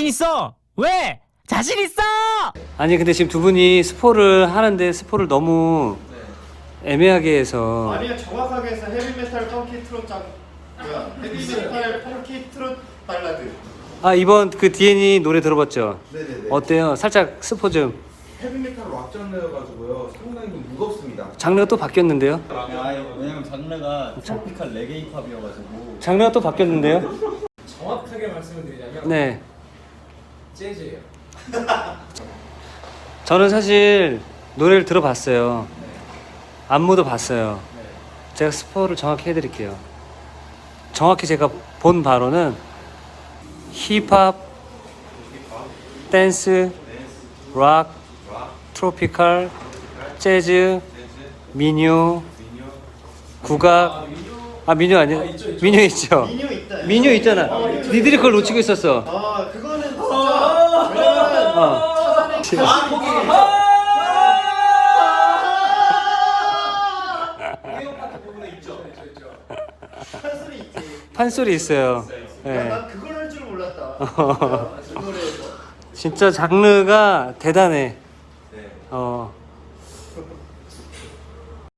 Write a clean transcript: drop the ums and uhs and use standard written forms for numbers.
자신 있어. 왜? 자신 있어. 아니 근데 지금 두 분이 스포를 하는데 스포를 너무 애매하게 해서. 아니요, 정확하게 해서 헤비메탈 펑키 트롯 헤비메탈 펑키 트롯 발라드. 아 이번 그 디엔이 노래 들어봤죠? 네네네. 어때요? 살짝 스포 좀. 헤비메탈 락 장르여가지고요. 상당히 좀 무겁습니다. 장르가 또 바뀌었는데요? 왜냐면 장르가 트로피칼 레게 힙합이어가지고. 장르가 또 바뀌었는데요? 정확하게 말씀을 드리자면 네. 재즈예요. 저는 사실 노래를 들어봤어요. 안무도 봤어요. 제가 스포를 정확히 해드릴게요. 정확히 제가 본 바로는 힙합, 댄스, 락, 트로피칼, 재즈, 민요, 국악. 아 민요 아니야? 민요 있죠. 민요 있다. 민요 있잖아. 니들이 그걸 놓치고 있었어. 아, 그거는 진짜 왜냐면 찾아내기 판소리 있지. 판소리 있어요. 네. 난 그걸 할 줄 몰랐다. 그 노래에서. 진짜 장르가 대단해. 어